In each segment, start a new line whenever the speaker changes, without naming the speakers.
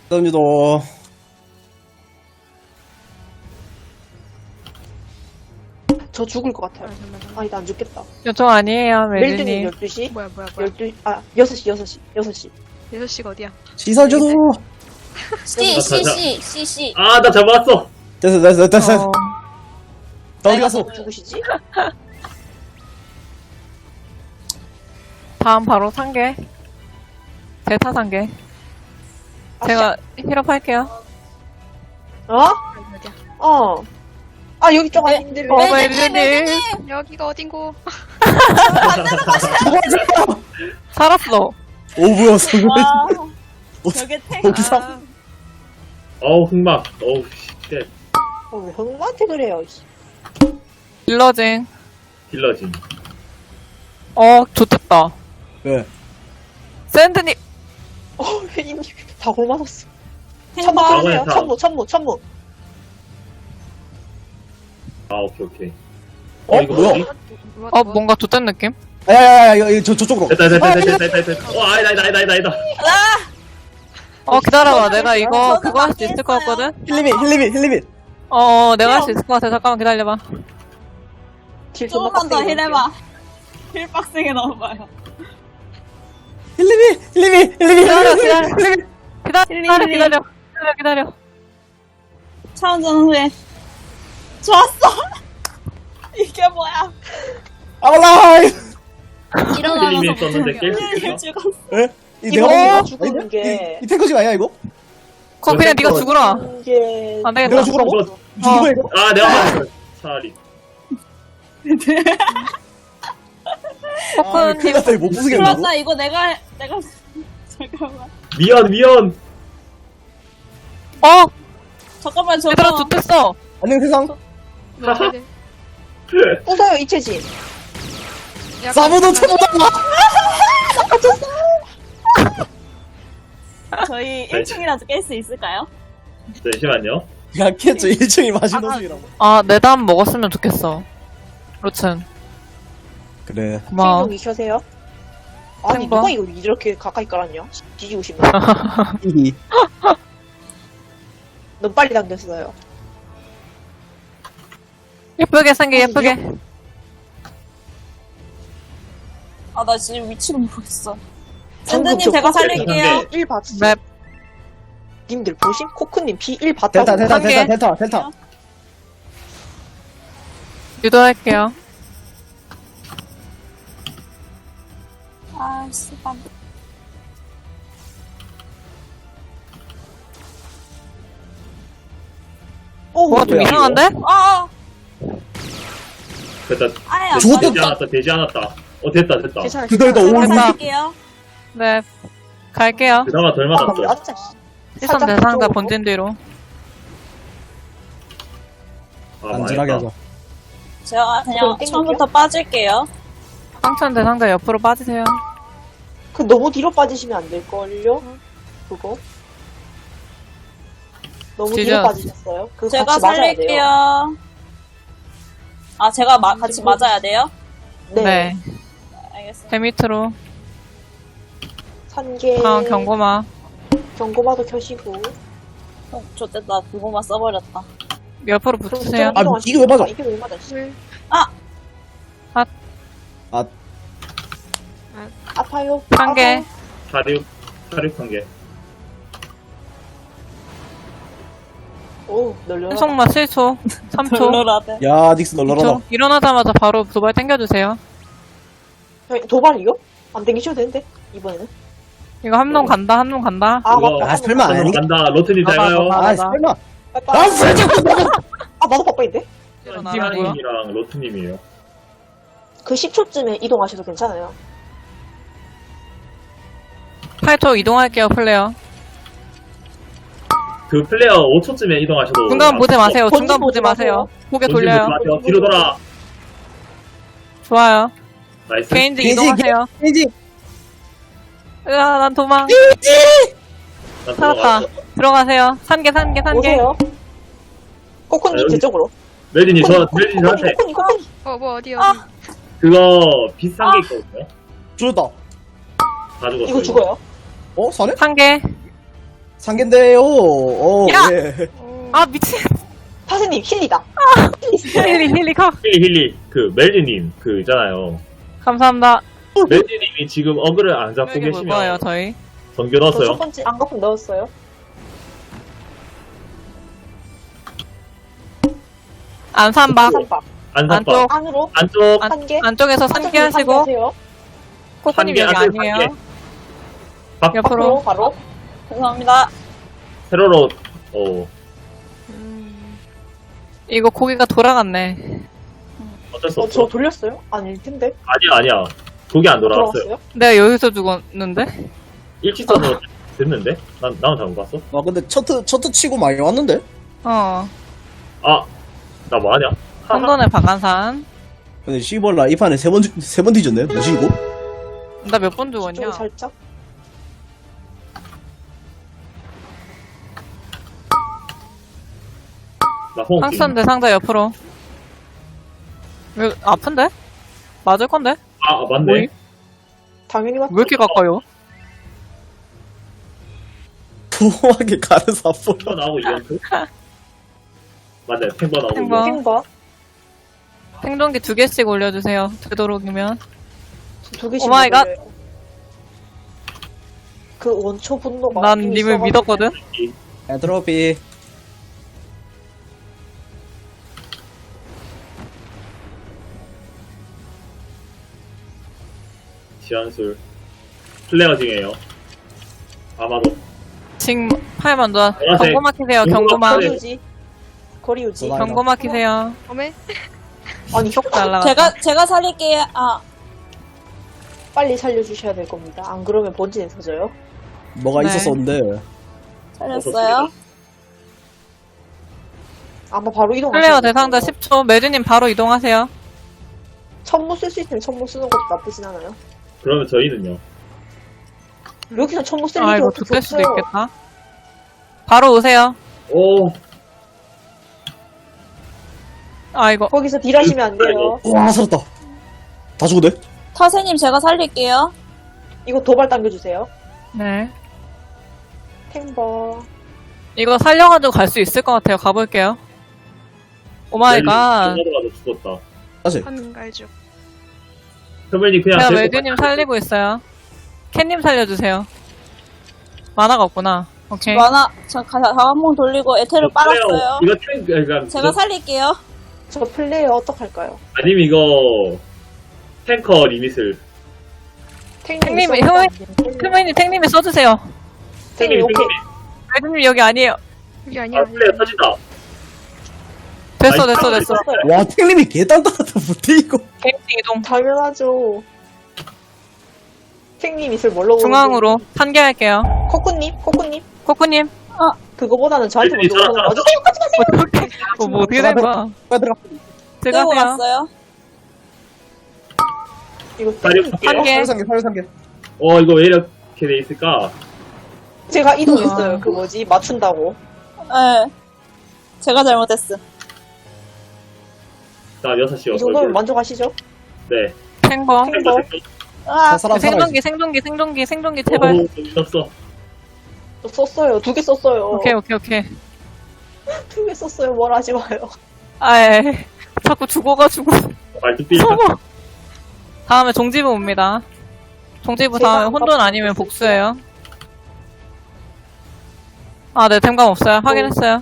던지도.
저 죽을 것 같아요. 아니, 나 안 죽겠다.
요청 아니에요,
멜드님
멜드님.
12시?
뭐야.
12시, 6시.
6시가 어디야?
시선 주도.
C.
아, 나 잡았어.
됐어.
어,
나 어디 갔어?
죽으시지?
다음 바로 상계. 대타 상계. 제가 힐업 할게요.
어?
어디야?
어. 아, 여기 쪽 아닌데.
멜드님.
여기가 어딘고?
살았어.
오, 뭐야, 성공.
저게 탱.
거기서.
어우, 흑막. 어우, 쉣.
왜 형한테 그래요, 씨.
딜러징.
딜러진.
좋겠다.
왜?
샌드님.
왜 이미 다 골맞았어.
탱
천무
봐.
그러세요. 천무.
아, 오케이.
이거 뭐야?
뭔가 좋된 느낌?
야, 저쪽으로.
됐다. 아니다.
기다려봐. 내가 이거
저도
그거 할 수 있을 것
맞게
같거든?
힐리밋.
내가 할 수 있을 것 같아. 잠깐만 기다려봐.
딜
조금만 더 힐해봐. 힐 빡세게 넣어봐요.
힐리밋.
기다려.
차원전 후에. 좋았어. 이게 뭐야?
아라이.
힐림이
일어나면서
썼는데 깰 수
힐
있겠어?
죽었어.
에?
이거 죽은 게.
이 탱커집 아니야, 이거?
그럼 그냥 네가 죽어라.
이게.
안 되겠다.
내가 죽으라고?
이거,
죽어, 이거?
아, 내가 맞았어. 차라리.
아, 큰일 났다, 이거 못 부수겠네.
그렇다 이거 내가 잠깐만.
미연.
잠깐만 저거.
얘들아 좋댔어.
안녕, 세상.
부서요, 이채지.
사보도 쳐보다.
저희 1층이라도 깰 수 있을까요?
잠시만요.
약했죠, 1층이 마시노승이라고.
내담 먹었으면 좋겠어. 로튼.
그래.
고마워.
생존 익혀세요. 아니,
생각.
누가 이거 이렇게 가까이 깔았냐? 뒤지고 싶네.
히히.
너무 빨리 당겼어요.
예쁘게 생겨, 예쁘게.
아 나 지금 위치를 모르겠어.
방금
샌드님
저
제가
코코님
살릴게요.
P1 봤어.
맵.
님들 보심? 코크님 P1 봤다고.
델타.
유도할게요.
아 씨발.
뭐가 좀
뭐야,
이상한데?
아.
됐다.
아야.
죽었다.
되지 않았다. 됐다.
괜찮아.
그대로
제가
올
살릴게요.
네. 갈게요.
그나마 덜 맞았어.
맞자.
시선 대상자 본진 뒤로.
아,
안전하게
망했다.
하자.
제가 그냥
그럼 땡길게요.
처음부터 빠질게요.
황천 대상자 옆으로 빠지세요.
그 너무 뒤로 빠지시면 안 될걸요? 그거? 너무 뒤로
지저.
빠지셨어요? 그거
제가
같이 맞아야 돼요.
살릴게요. 아 제가 같이 맞아야 돼요?
네.
알겠어요.
배 밑으로.
산계.
다음 경고마.
경고마도 켜시고.
좋됐다. 그거만 써버렸다.
옆으로 붙으세요.
아, 이게 왜 맞아?
이게 왜 맞아? 씨. 아파요.
상계.
아파요.
사륙한 게.
오, 널려라.
후속마 7초. 3초.
별로라대.
야, 닉스 널널하다.
2초. 일어나자마자 바로 도발 당겨주세요.
도발이요? 안 땡기셔도 되는데, 이번에는.
이거 한 놈 간다, 한 놈 간다.
아,
그거-
맞다.
아, 설마 아니?
간다. 로트님 잘
봐봐,
가요.
봐봐.
아, 설마.
빠빠.
아, 진짜.
아, 나도 빠빠인데?
일어나라고요.
티아님이랑 로트님이에요.
그 10초쯤에 이동하셔도 괜찮아요.
8초 이동할게요, 플레이어.
그 플레이어 5초쯤에 이동하셔도.
중간 보지 마세요.
본진
중간 보지
보지 마세요.
마세요. 고개
본진
돌려요.
보지 마세요. 뒤로 돌아.
좋아요.
나이스.
개인지
개인지,
이동하세요.
이지.
난 도망.
나
살았다.
들어가.
들어가세요. 산개.
오세요. 코코님,
아, 여기-
제 쪽으로.
멜진이 저한테
코코님.
뭐 어디.
그거 비싼 게 있거든요.
죽었다.
다 죽었어요.
이거 죽어요.
어? 사네?
산개.
상계인데요. 오,
야!
예.
아, 미친.
타세님 힐리다.
힐리, 가.
힐리, 그, 멜리님, 그, 있잖아요.
감사합니다.
멜리님이 지금 어그를 안 잡고
여기 볼 거예요,
계시면,
저희.
정규
저
넣었어요.
첫 번째 안거품 넣었어요.
안산박.
삼박
안산박.
안쪽.
안으로
안쪽,
한 개.
안쪽에서 상기하시고.
하세요.
코코님
한
여기
개,
아니에요.
한 개. 밖,
옆으로.
바로.
죄송합니다.
세로로,
이거 고기가 돌아갔네.
어쩔 수
저
없어.
돌렸어요? 아닐 텐데.
아니야. 그게 안 돌아왔어요.
돌아왔어요?
내가 여기서 죽었는데?
일직선으로 됐는데? 나는 잘못 봤어?
아, 근데 첫트 치고 많이 왔는데?
어.
아, 나 뭐하냐?
혼돈의 박한산.
근데 씨벌라 이 판에 세 번 뒤졌네? 뭐지, 이거?
나 몇 번 죽었냐?
좀 살짝.
나 호흡.
상선대 상자 옆으로. 왜, 아픈데? 맞을 건데?
아, 맞네.
뭐이?
당연히 맞죠.
왜 이렇게 가까요?
도하게 가는 사포.
탱버 나오고 이벤트? 맞네, 탱버 나오고
탱버.
이벤트.
탱버
생존기 2개씩 올려주세요. 되도록이면.
두 개씩.
오마이갓.
먹을래요. 그 원초 분노가.
난
좀
님을
있어가지고.
믿었거든?
엔트로피.
지한술. 플레어 중이에요. 아마도.
지금 팔 먼저.
보라색.
경고 막히세요, 경고막.
보라색.
거리 유지. 거리 유지.
전화.
경고 막히세요.
어메?
아니
쏙 날라갔다.
제가 살릴게요. 아,
빨리 살려주셔야 될 겁니다. 안 그러면 본진에 터져요.
뭐가
네.
있었었는데.
살렸어요.
아마 바로 이동.
플레어 대상자 10초. 매드님 바로 이동하세요.
천무 쓸 수 있으면 천무 쓰는 것도 나쁘진 않아요.
그러면 저희는요.
여기서 천무 쓸
아,
일이
이거
어떻게
좆될 수도
없어요.
있겠다. 바로 오세요.
오,
아, 이거.
거기서 딜하시면 안 돼요.
와, 살았다. 다 죽었네?
타세님 제가 살릴게요.
이거 도발 당겨주세요.
네.
탱버.
이거 살려가지고 갈 수 있을 것 같아요. 가볼게요. 오마이갓.
멜리 죽었다.
다시.
한갈죽.
선배님 그냥
제가
데리고
매드님 살리고 있어요. 캔님 살려주세요. 만화가 없구나. 오케이.
만화, 저 한번 돌리고 에테를 빨았어요.
이거 그러니까
제가 살릴게요.
저 플레이어 어떡할까요?
아니면 이거 탱커 리밋을
탱님이, 흐머님 탱님이 써주세요.
탱님 오케이.
매드님 여기 아니에요.
이게 아니야.
아 플레이어 터진다.
됐어.
와, 탱님이 개딴딴하다 못해, 이거.
개인지 이동.
당연하죠. 탱님 있을 뭘로
중앙으로 산계할게요.
코코님.
코코님.
그거보다는 저한테
멜리
먼저 오는 거 맞으세요?
어떻게, 뭐 어떻게 된 거야?
들어가.
끌고
들어가세요.
갔어요.
이거
다리
탱님.
한 개.
살상계.
이거 왜 이렇게 돼 있을까?
제가 이동했어요. 그 뭐지 맞춘다고.
네. 제가 잘못했어.
자 6시
이 정도면 만족하시죠?
네.
탱버.
탱버.
아,
생존기 제발.
오, 미쳤어.
저 썼어요. 2개 썼어요.
오케이.
2개 썼어요. 뭘 하지 마요.
아예. 자꾸 죽어가지고.
말뚝 뛰니까.
서버. 다음에 종지부 옵니다. 종지부
제가
다음에
안
혼돈
봤어요.
아니면 복수예요. 아, 네, 댐감 없어요. 확인했어요.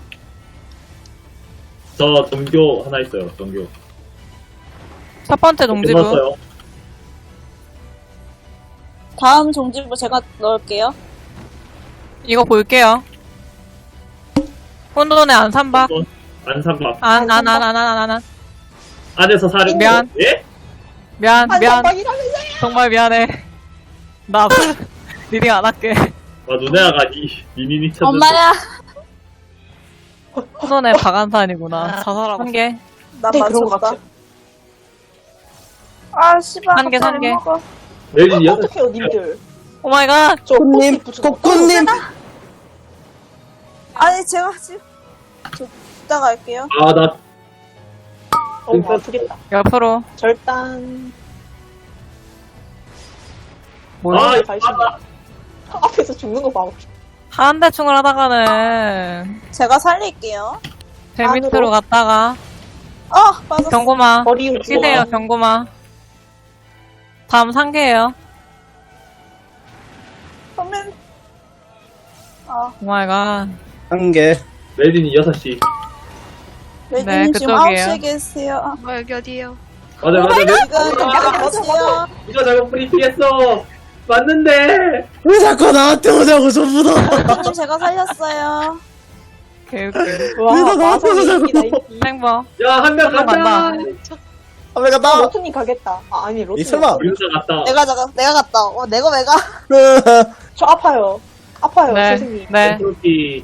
저 정교 하나 있어요. 정교.
첫 번째 종지부.
끝났어요.
다음 종지부 제가 넣을게요.
이거 볼게요. 혼돈의 안산박.
안산박
안.
안에서 사는
미안.
예?
미안.
한방이라면서요.
정말 미안해. 나 앞으로 리딩 안 할게.
누나가 니니니 찾는.
엄마야.
혼돈의 박안산이구나. 자살하고. 한 개.
나
네, 그런 것
맞췄다.
같아요.
아, 씨발.
한 개,
갑자기
한 개.
먹어.
멜리 6시.
어떡해요, 님들.
오마이갓.
저
코코님, 코코님.
아니, 제가 지금. 이따 갈게요.
나
아프겠다.
옆으로.
절단.
뭐야?
아,
앞에서 죽는 거 봐.
한대충을 하다가는
제가 살릴게요.
배 밑으로 갔다가
빠졌어.
경고마
머리
끼세요. 경고마. 다음 상계예요.
그러면
오마이갓.
한 개.
레진이 6시.
레디님 지금
그쪽이에요.
9시에 계세요.
여기 어디에요?
맞아, 맞아.
지금 나가세요.
이거 잘못 브리핑했어. 맞는데.
왜 자꾸 나한테 오냐고, 전부 다.
레디님 제가 살렸어요.
개웃겨.
와,
왜 나 나한테
마성이
오냐고.
이기다, 이기.
행보.
야, 한 명
간다.
간다.
아, 왜 갔다?
로트님 가겠다. 아니, 로트님.
설마.
우리 혼자 갔다.
내가 갔다. 내가 왜 가?
저 아파요. 아파요,
네.
선생님.
네.
트로피.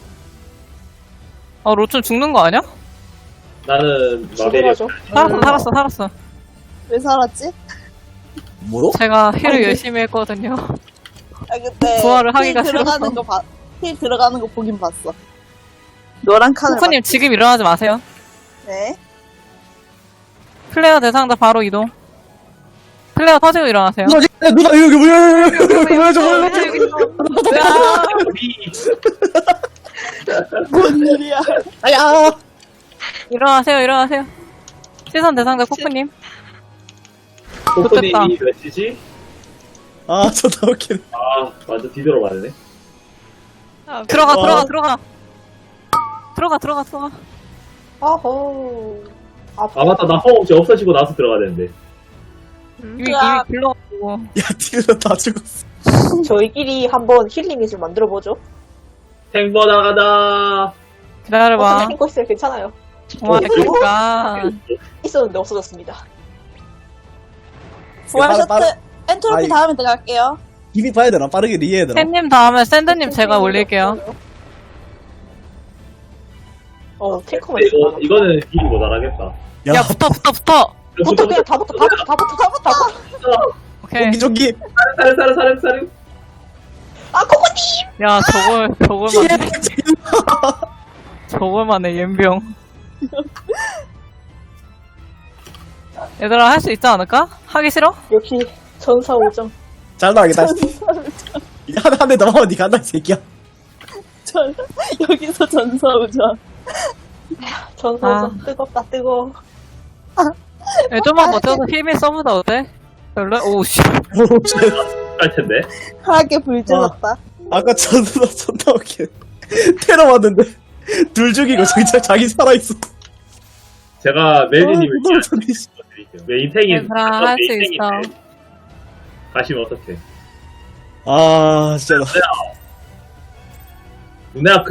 로춘 죽는 거 아니야?
나는 마베리아.
죽어가죠.
살았어.
왜 살았지?
뭐로?
제가 힐을
아니,
열심히 했거든요.
그때
부활을 하기가
힐 들어가는
싫어서.
힐 들어가는 거 보긴 봤어. 노란 칸을
코코님 지금 일어나지 마세요.
네.
플레이어 대상자 바로 이동. 플레이어 터지고 일어나세요.
누나, 이거 뭐야, 저거.
우리
뭔 일이야?
아야.
일어나세요. 시선 대상자 코코님.
코코님이 몇 시지?
아, 존나 웃기네.
아, 완전 뒤돌아 맞네.
들어가.
아호.
아, 맞다. 나 허벅지 없어지고 나서 들어가야 되는데.
이미 불러가지고.
야, 딜러 다 죽었어.
저희끼리 한번 힐링을 만들어보죠.
탱버 나가다.
기다려봐.
탱거 있어요. 괜찮아요.
오마이갓.
있었는데 없어졌습니다.
부활
빠르-
셔틀
빠르-
엔트로피
아이.
다음에 들어갈게요.
이미 봐야 되나? 빠르게 리해야 되나?
팬님 다음에 샌드님 제가 올릴게요.
탱커만
근데
있어.
이거는 딜이 모자라겠다.
야, 붙어.
붙어, 그냥 다 붙어.
오케이.
저기.
사르.
아, 코코님!
야, 저걸만 해, 옌병. 얘들아, 할 수 있지 않을까? 하기 싫어?
역시, 전사오정.
잘 나가겠다. 한 대 더 하면 니 간다, 이 새끼야.
여기서 전사우전.
전사오정. 뜨겁다, 뜨거워.
야, 좀만 버텨서 힘이 써보다 어때? 별로? 오우, 씨.
할 텐데.
하게 불 질렀다.
아까 존나 웃기네. 테러 왔는데. 둘 죽이고 자기 살아있어.
제가 메리님을
너무 좋네, 씨.
드릴게요. 메인탱이
얘들아, 할 수 있어.
가시면 어떡해.
아, 진짜.
누나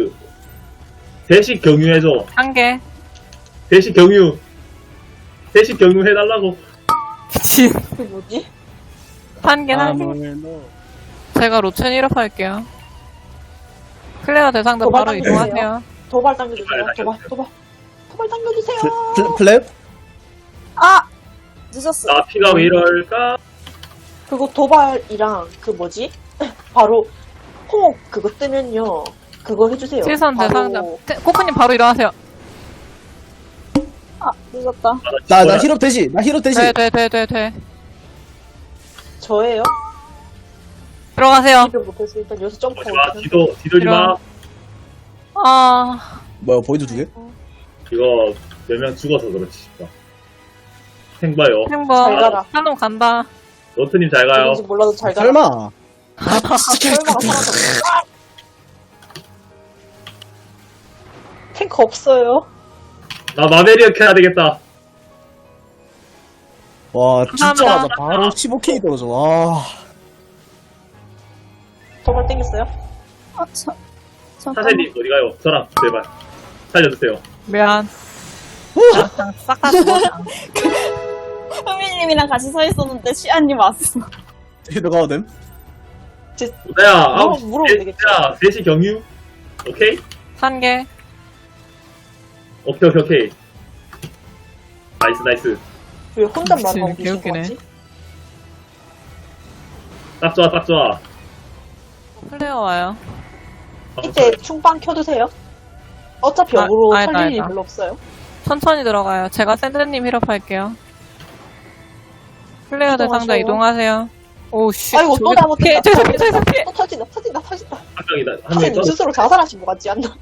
대식 경유해줘.
한 개.
대식 경유 해달라고.
미친.
그 뭐지?
한 개. 제가 로첸 1업 할게요. 클레어 대상자
도발
바로
당겨주세요.
이동하세요.
도발 당겨주세요. 도발 당겨주세요.
플랩?
늦었어.
나 피가 왜 이럴까?
그거 도발이랑 그 뭐지? 바로 호흡 그거 뜨면요. 그거 해주세요.
시선
바로
대상자. 코코님 바로 일어나세요.
늦었다.
나 힐업 대시.
돼.
저예요.
들어가세요.
일을 못해서 일단 여기서 점프.
오지 마. 뒤돌지 마.
뭐야, 보이드 두 개?
이거 몇 명 죽어서 그렇지. 생봐요.
행복.
잘 가라.
한놈 간다.
로트님 잘 가요.
누군지 몰라도 잘 가라.
설마.
설마가 사라졌어. 탱크 없어요.
나 마베리아 켜야 되겠다.
와, 진짜
감사합니다.
맞아. 바로 15K 떨어져. 와.
도발 땡겼어요?
잠깐만.
사세님 어디 가요? 저랑 제발 살려주세요.
미안. 싹다 죽어.
흐민님이랑 같이 서 있었는데 시안님 왔어.
너 가도 됨?
누나야,
물어보면 되겠죠.
야, 3시 경유? 오케이?
한 개.
오케이. 나이스.
왜 혼잣말
미친,
하고 계신 거
개웃기네.
같지?
딱 좋아.
플레이어 와요.
이때 충빵 켜두세요. 어차피 역으로
아니다,
살릴 일이
아니다.
별로 없어요.
천천히 들어가요. 제가 샌드님 힐업 할게요. 플레이어 대상자
이동하세요.
이동하세요. 오우씨.
아이고, 또 나못했다.
피해, 저기서 피해.
또 터진다.
한 명이다. 한 명이
선생님
떠.
스스로 자살하신 것 같지 않나?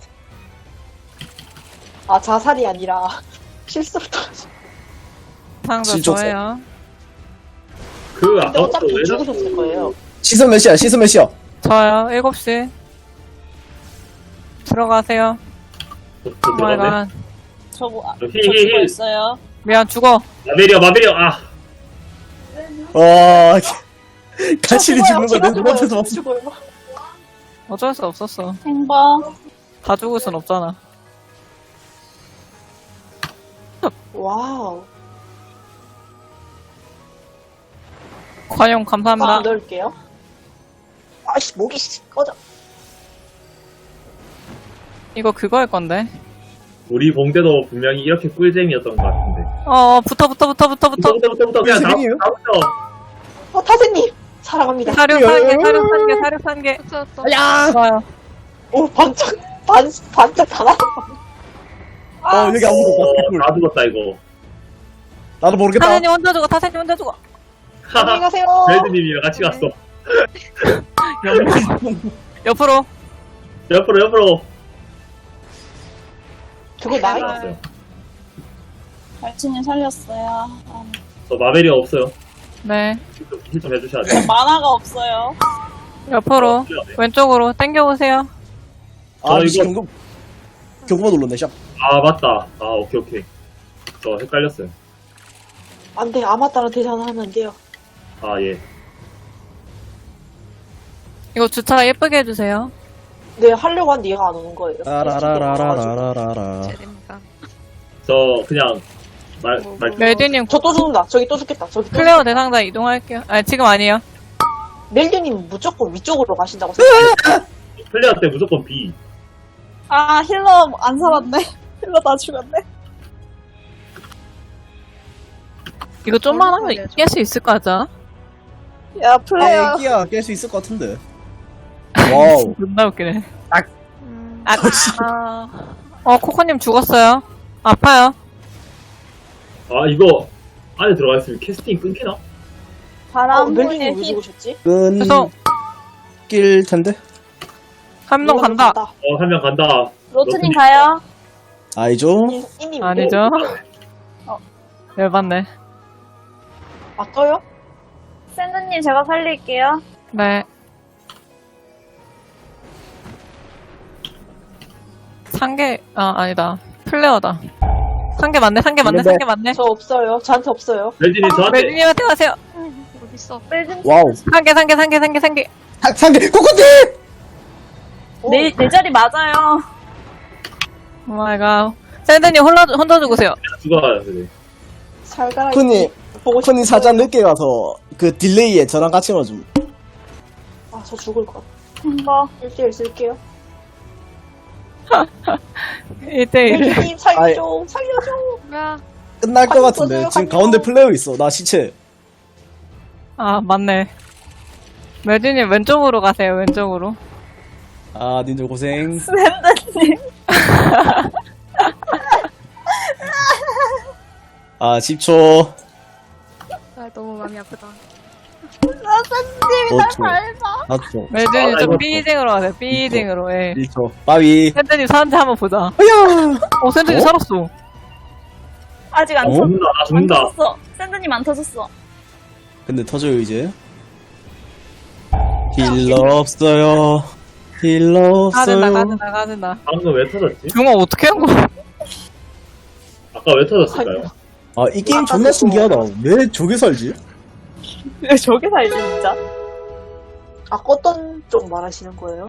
아, 자살이 아니라 실수로 떨어진.
상자
진짜
저예요.
그
근데
아까부터
어차피
왜
죽으셨을 거예요.
시선 몇 시야? 시선 몇 시야?
저요. 7시. 들어가세요.
들어가네?
오마이갓.
저 죽어
히히히.
있어요.
미안, 죽어.
마베리어. 아.
와, 가시리
죽어요.
죽는
제가
거내 눈앞에서
죽어요.
봤어.
죽어요.
어쩔 수 없었어.
행방.
다 죽을 순 없잖아.
와우.
관용
꽉
감사합니다.
넣을게요. 아이씨, 목이 꺼져.
이거 그거일 건데.
우리 봉대도 분명히 이렇게 꿀잼이었던 것 같은데.
붙어.
부터 그냥
꿀잼이에요?
다부터.
타세님! 사랑합니다.
사료 산 개.
떴어.
야!
좋아요.
오, 반짝 다 나와.
여기 아무도 없다.
다 죽었다 이거.
나도 모르겠다.
타세님 혼자 죽어, 타세님 혼자 죽어.
안녕히 가세요.
벨드님이랑 같이 갔어.
옆으로.
옆으로.
저거 나이?
나왔어요.
발치님 살렸어요. 아,
저 마베리어 없어요.
네.
힐 좀 해주셔야 돼요.
만화가 없어요.
옆으로. 왼쪽으로. 당겨오세요.
아,
저 이거-
경고 눌렀네, 샵.
아 맞다. 아 오케이. 저 헷갈렸어요.
안 돼, 아마따랑 대전하면 안 돼요.
아 예.
이거 주차 예쁘게 해주세요.
네, 하려고 하는데 얘가 안 오는 거예요.
라라라라라라라라.
제됩니다.
저 그냥 말
멜디님,
저 또 죽는다. 저기 또 죽겠다. 저기 또
클레어 대상자 이동할게요. 아니, 지금 아니에요.
멜드님 무조건 위쪽으로 가신다고 생각해요.
플레이어 때 무조건 B.
아 힐러 안 살았네. 힐러 다 죽었네.
이거 좀만 하면 깰 수 있을 거 같아.
야 플레이어.
애기야, 깰 수 있을 것 같은데. 와우.
존나 웃기네.
음,
코코님 죽었어요. 아파요.
아 이거 안에 들어가 있으면 캐스팅 끊기나?
바람 불에
멜드님 왜
힐.
죽으셨지?
그래서
끊길 텐데.
한 명 간다.
한 명 간다.
로트님 가요.
아니죠?
이님
아니죠? 열받네.
아, 떠요?
샌드님 제가 살릴게요.
네. 상계, 아니다. 플레어다. 상계 맞네.
저 없어요. 저한테 없어요.
멜진이 저한테
멜디님한테 가세요.
어딨어?
와우.
상계.
상대, 코코티!
내 자리 맞아요.
오마이갓. 샌드님 혼자 죽으세요.
죽어요. 그래.
살가라.
코니,
보고
코니 살짝 늦게 가서 그 딜레이에 저랑 같이 넣어줌.
아, 저 죽을 것 같아.
행방.
1대1 쓸게요.
1대1.
멜드님 살려줘. 살려줘.
야,
끝날 것
가끔
같은데.
써줘요,
지금
가끔.
가운데 플레이어 있어. 나 시체.
아, 맞네. 멜디님 왼쪽으로 가세요. 왼쪽으로.
아, 님들 고생.
샌드님.
아, 10초.
아, 너무 마음이 아프다.
샌드님이 날
5초.
밟아.
4초.
멜디님 좀
이거-
삐딩으로 가세요. 삐딩으로. 예.
1초. 빠위.
샌드님 사는지 한번 보자.
어야!
샌드님
어?
살았어.
아직 안
어?
터졌어.
죽는다. 나
안
죽는다.
터졌어. 샌드님 안 터졌어.
근데 터져요, 이제. 힐러 없어요. 힐러 없어요.
가든다.
방금 왜 터졌지?
중어 어떻게 한 거야?
아까 왜 터졌을까요?
아, 이 게임 존나 신기하다. 왜 저게 살지?
왜 저게 살지 진짜?
아, 어떤 쪽 말하시는 거예요?